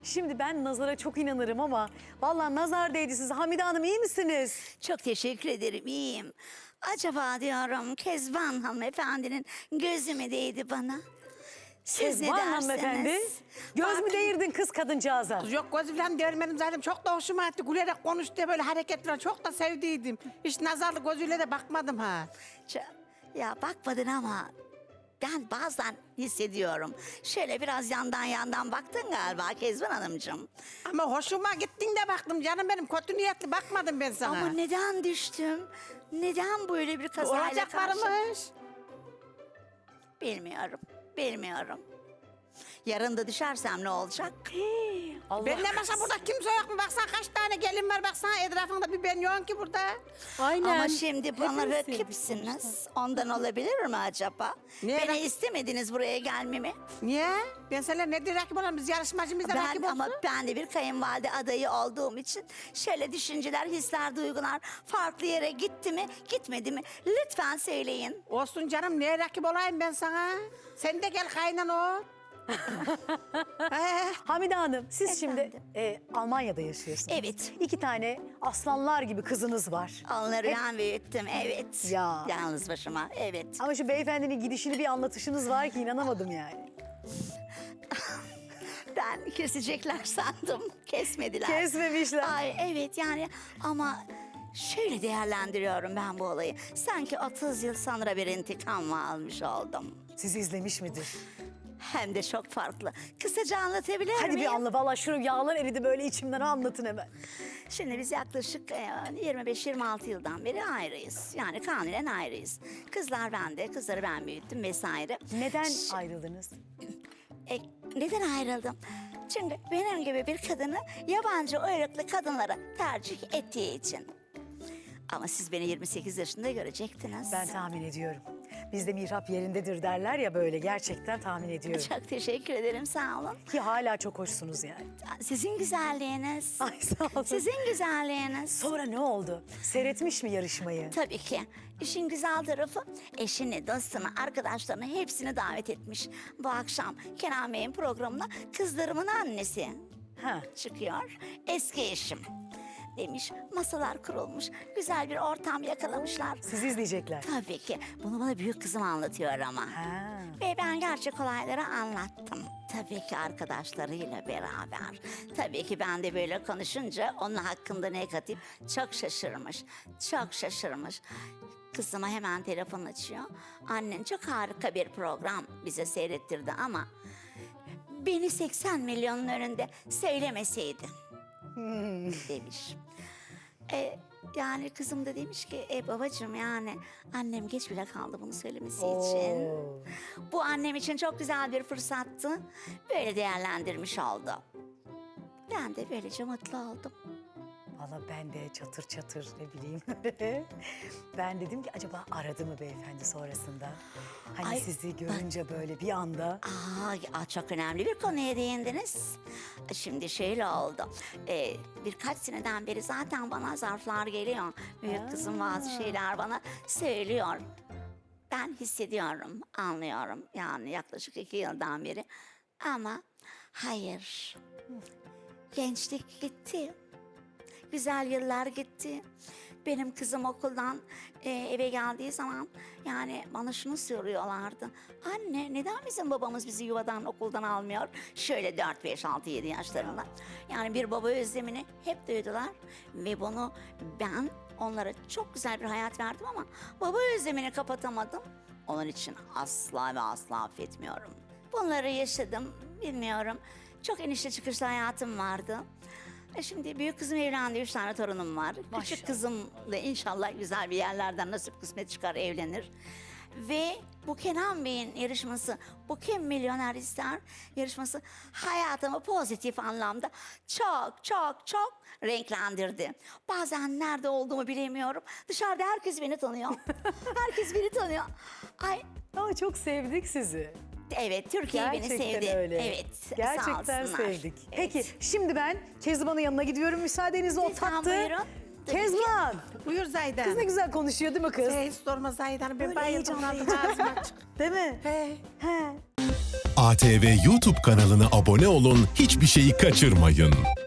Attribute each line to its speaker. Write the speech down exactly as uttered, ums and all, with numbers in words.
Speaker 1: Şimdi ben nazara çok inanırım ama vallahi nazar değdi size. Hamide Hanım iyi misiniz?
Speaker 2: Çok teşekkür ederim, iyiyim. Acaba diyorum Kezban hanımefendinin gözü mü değdi bana? Siz ne
Speaker 1: Kezban
Speaker 2: dersiniz?
Speaker 1: hanımefendi. Göz mü
Speaker 2: Bak-
Speaker 1: değirdin kız kadıncağıza?
Speaker 3: Yok gözü falan değirmedim zaten. Çok da hoşuma gitti. Gülerek konuştu böyle hareket falan. Çok da sevdiydim. Hiç nazarlı gözüyle de bakmadım ha.
Speaker 2: Ç- Ya bakmadın ama ben bazen hissediyorum. Şöyle biraz yandan yandan baktın galiba Kezban Hanımcığım.
Speaker 3: Ama hoşuma gittin de baktım canım benim. Kötü niyetli bakmadım ben sana.
Speaker 2: Ama neden düştüm? Neden böyle bir kazayla
Speaker 3: Olacak
Speaker 2: karşı?
Speaker 3: varmış.
Speaker 2: Bilmiyorum, bilmiyorum. Yarın da düşersem ne olacak?
Speaker 1: Allah
Speaker 3: Ben ne masa burada kimse yok mu? Baksana kaç tane gelin var. Baksana etrafında bir ben yokum ki burada.
Speaker 1: Aynen.
Speaker 2: Ama şimdi bana
Speaker 1: Hepimiz
Speaker 2: rakipsiniz. Ondan olabilir mi acaba?
Speaker 3: Niye
Speaker 2: Beni
Speaker 3: rak-
Speaker 2: istemediniz buraya gelmemi.
Speaker 3: Niye? Ben seninle ne diye rakip olalım? Biz yarışmacımız da
Speaker 2: Ben
Speaker 3: rakip
Speaker 2: ama
Speaker 3: olsun.
Speaker 2: ben de bir kayınvalide adayı olduğum için şöyle düşünceler, hisler, duygular farklı yere gitti mi, gitmedi mi? Lütfen söyleyin.
Speaker 3: Olsun canım. Niye rakip olayım ben sana? Sen de gel kaynan ol. He.
Speaker 1: Hamide Hanım siz
Speaker 2: Efendim?
Speaker 1: şimdi e, Almanya'da yaşıyorsunuz.
Speaker 2: Evet.
Speaker 1: İki tane aslanlar gibi kızınız var.
Speaker 2: Onları ben büyüttüm, evet.
Speaker 1: Ya.
Speaker 2: Yalnız başıma, evet.
Speaker 1: Ama şu beyefendinin gidişini bir anlatışınız var ki inanamadım yani.
Speaker 2: Ben kesecekler sandım. Kesmediler.
Speaker 1: Kesmemişler.
Speaker 2: Ay evet yani ama şöyle değerlendiriyorum ben bu olayı. Sanki otuz yıl sonra bir intikam almış oldum.
Speaker 1: Sizi izlemiş midir?
Speaker 2: Hem de çok farklı. Kısaca anlatabilir
Speaker 1: Hadi
Speaker 2: miyim?
Speaker 1: bir anla. Vallahi şu yağlar eridi böyle içimden anlatın hemen.
Speaker 2: Şimdi biz yaklaşık e, yirmi beş yirmi altı yıldan beri ayrıyız. Yani kanunen ayrıyız. Kızlar bende, kızları ben büyüttüm vesaire.
Speaker 1: Neden
Speaker 2: Ş-
Speaker 1: ayrıldınız?
Speaker 2: E, neden ayrıldım? Çünkü benim gibi bir kadını yabancı uyruklu kadınlara tercih ettiği için. Ama siz beni yirmi sekiz yaşında görecektiniz.
Speaker 1: Ben tahmin ediyorum. Bizde mihrap yerindedir derler ya böyle gerçekten tahmin ediyorum.
Speaker 2: Çok teşekkür ederim, sağ olun.
Speaker 1: Ki hala çok hoşsunuz yani.
Speaker 2: Sizin güzelliğiniz.
Speaker 1: Ay sağ olun.
Speaker 2: Sizin güzelliğiniz.
Speaker 1: Sonra ne oldu? Seyretmiş mi yarışmayı?
Speaker 2: Tabii ki. İşin güzel tarafı eşini, dostunu, arkadaşlarını hepsini davet etmiş. Bu akşam Kenan Bey'in programına kızlarımın annesi
Speaker 1: Ha.
Speaker 2: çıkıyor. Eski eşim demiş. Masalar kurulmuş. Güzel bir ortam yakalamışlar.
Speaker 1: Sizi izleyecekler.
Speaker 2: Tabii ki. Bunu bana büyük kızım anlatıyor ama.
Speaker 1: Ha.
Speaker 2: Ve ben gerçek olayları anlattım. Tabii ki arkadaşlarıyla beraber. Tabii ki ben de böyle konuşunca onun hakkında negatif çok şaşırmış. Çok şaşırmış. Kızıma hemen telefon açıyor. Annen çok harika bir program bize seyrettirdi ama beni seksen milyonun önünde söylemeseydi demiş. E, yani kızım da demiş ki e babacığım yani annem geç bile kaldı bunu söylemesi için.
Speaker 1: Oo.
Speaker 2: Bu annem için çok güzel bir fırsattı. Böyle değerlendirmiş oldu. Ben de böylece mutlu oldum.
Speaker 1: Valla ben de çatır çatır ne bileyim. Ben dedim ki acaba aradı mı beyefendi sonrasında? Hani
Speaker 2: Ay,
Speaker 1: sizi görünce böyle bir anda.
Speaker 2: Aa, aa, çok önemli bir konuya değindiniz. Şimdi şöyle oldu. Ee, birkaç seneden beri zaten bana zarflar geliyor. Büyük kızım bazı şeyler bana söylüyor. Ben hissediyorum, anlıyorum. Yani yaklaşık iki yıldan beri. Ama hayır. Gençlik gitti. Güzel yıllar gitti. Benim kızım okuldan e, eve geldiği zaman yani bana şunu soruyorlardı. Anne neden bizim babamız bizi yuvadan okuldan almıyor? Şöyle dört, beş, altı, yedi yaşlarında. Yani bir baba özlemini hep duydular. Ve bunu ben onlara çok güzel bir hayat verdim ama baba özlemini kapatamadım. Onun için asla ve asla affetmiyorum. Bunları yaşadım, bilmiyorum. Çok inişli çıkışlı hayatım vardı. E şimdi büyük kızım evlendi, üç tane torunum var.
Speaker 1: Maşallah.
Speaker 2: Küçük kızım da inşallah güzel bir yerlerden nasip kısmet çıkar, evlenir. Ve bu Kenan Bey'in yarışması, bu Kim Milyoner İster yarışması hayatımı pozitif anlamda çok çok çok renklendirdi. Bazen nerede olduğumu bilemiyorum. Dışarıda herkes beni tanıyor. Herkes beni tanıyor. Ay
Speaker 1: Aa, çok sevdik sizi.
Speaker 2: evet, Türkiye beni
Speaker 1: Gerçekten
Speaker 2: sevdi.
Speaker 1: öyle.
Speaker 2: Evet, sağ
Speaker 1: Gerçekten
Speaker 2: olsunlar.
Speaker 1: sevdik.
Speaker 2: Evet.
Speaker 1: Peki şimdi ben Kezban'ın yanına gidiyorum. Müsaadenizle o
Speaker 2: Lütfen
Speaker 1: tattı.
Speaker 2: buyurun. Tabii ki.
Speaker 1: Kezban.
Speaker 3: Buyur Zaydan.
Speaker 1: Kız ne güzel konuşuyor değil mi kız?
Speaker 3: Hiç sorma Zaydan. Ben
Speaker 1: Böyle
Speaker 3: bayıldım.
Speaker 1: heyecanlı,
Speaker 3: Ağzım açık.
Speaker 1: Değil mi?
Speaker 3: He.
Speaker 1: He.
Speaker 4: A T V YouTube kanalına abone olun, hiçbir şeyi kaçırmayın.